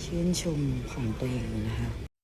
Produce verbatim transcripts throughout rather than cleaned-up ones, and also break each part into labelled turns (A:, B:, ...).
A: ชื่นชมของตัวเองนะคะ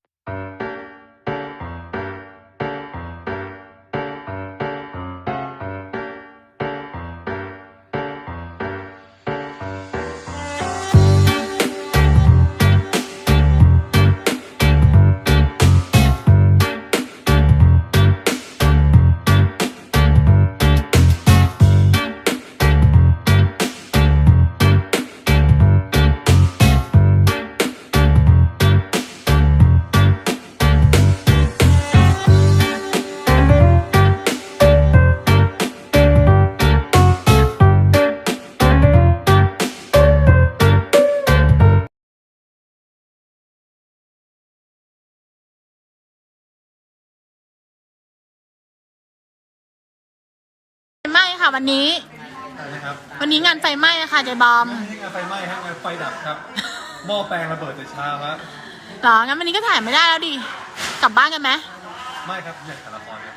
B: ไหม้ค่ะวันนี้วันนี้งานไฟไหม้ค่ะเจบอม
C: ไม่ใช่งานไฟไหม้ครับงานไฟดับครับหม้อแปลงระเบิดแต่เช้าครับ
B: หรองั้นวันนี้ก็ถ่ายไม่ได้แล้วดิกลับบ้านกันไหม
C: ไม่ครับอยากถ่ายละครครับ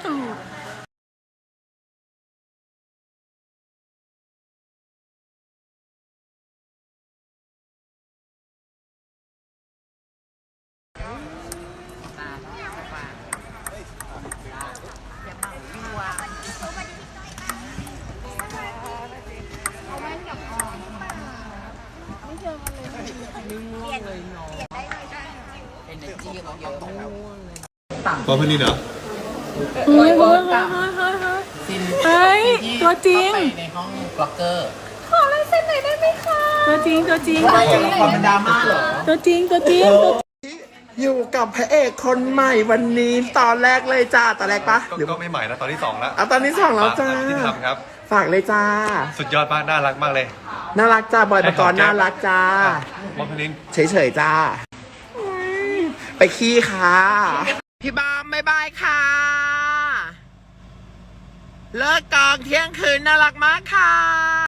C: ตัวเพื่อนนี่เหรอ
B: เฮ้ยเฮ้ยเฮ้ยเฮ้ยตัวจริง
D: ในห้องบล็อกเกอร์
B: ขอลายเส้นหน่อยได้ไหมคะตัวจริงตัวจริงตัวจริง
D: ความเป็นดราม่าเหรอ
B: ตัวจริงตัวจริง
E: อยู่กับพระเอกคนใหม่วันนี้ตอนแรกเลยจ้าตอนแรกปะ
C: หรือก็ไม่ใหม่นะตอนที่สองแล้ว
E: เอาตอนที่สองแล้วจ้า
C: ที่ทำครับ
E: ฝากเลยจ้า
C: สุดยอดมากน่ารักมากเลย
E: น่ารักจ้าบอยปกรณ์น่ารักจ้าม
C: องพลิน
E: เฉยๆจ้าไปขี้ค่ะพี่บอมบ๊ายบายค่ะเลิกกองเที่ยงคืนน่ารักมากค่ะ